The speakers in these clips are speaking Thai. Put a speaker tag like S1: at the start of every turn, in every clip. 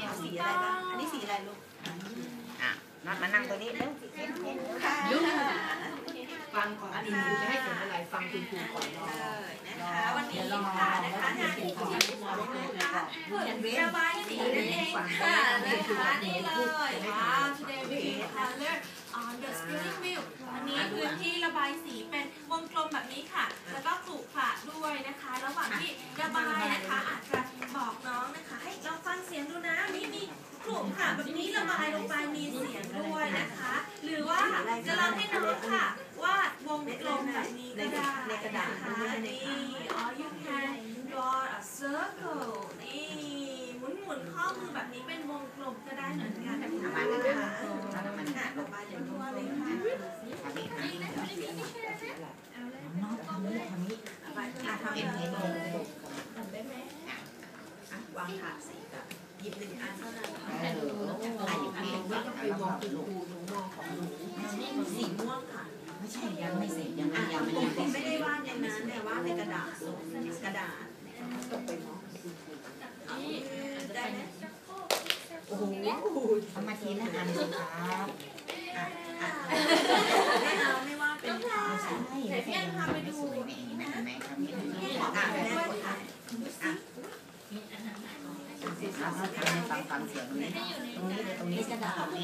S1: เอาสีอะไรบ้างอันนี้สีอะไรลูก
S2: น็อตมานั่งตัวนี้เร็ว
S1: ลูก
S3: ฟังก่อนคุณครูจะให้ผลอะไรฟังคุณครูก่อน
S1: นะคะวันนี้ค่ะนะคะงานที่คุณครูนะคะระบายสีนั่นเองค่ะนะคะนี่เลยtoday we color on the spinning wheel อันนี้พื้นที่ระบายสีเป็นวงกลมแบบนี้ค่ะแล้วก็ขรุขระด้วยนะคะระหว่างที่ระบายนะคะอาจจะบอกน้องนะคะให้ลองฟังเสียงดูนะมีขรุขระแบบนี้ระบายลงไปมีเสียงด้วยนะคะหรือว่าจะลองให้น้องค่ะวาดวงกลมแบบนี้ก็ได้ในกระดาษนี่ or you can draw a circle นี่หมุนข้อมือแบบนี้เป็นวงกลมก็ได้เหมือนกันนะคะมันหนักลงไปอย่างทั่วเลยค่ะ
S2: น็อตทำนี้
S1: ทำได้ไหมวางถาดสีกับหยิบ1 อันเท่านั้น
S3: อันนี้ไม่ต้องไปมองคุณครูหนูมองของหนู
S1: สีม่วงค่ะ
S2: ไม่ใช่ยังไม่เสร็จยัง
S1: ไม่ได้วาดในนั้นแต่วาดในกระดาษ
S3: ต้องไปมอง
S1: ได้ไหม
S3: โอ้โห
S2: ทำมาทีละอันสิครับ
S1: ไม่ว่าเป็น
S2: ใช่
S1: แต่พี่พาไปดู
S2: นะแม่ครับนี่ฟังเสียงตรงนี้กระดาษนี้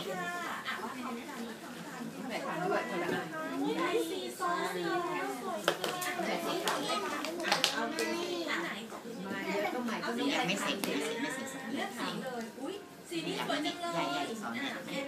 S3: แบบทำด้วยคนละ
S1: อันสีส้มสีแล้วสวยแบบสีขาวเลยค่ะเอาเป็นอันไหน
S3: มาเยอะก็ใหม่ก็
S2: ยังไม่เสร็จ
S1: เลือกสีเลยอุ้ยสีนี้สวยจังเลย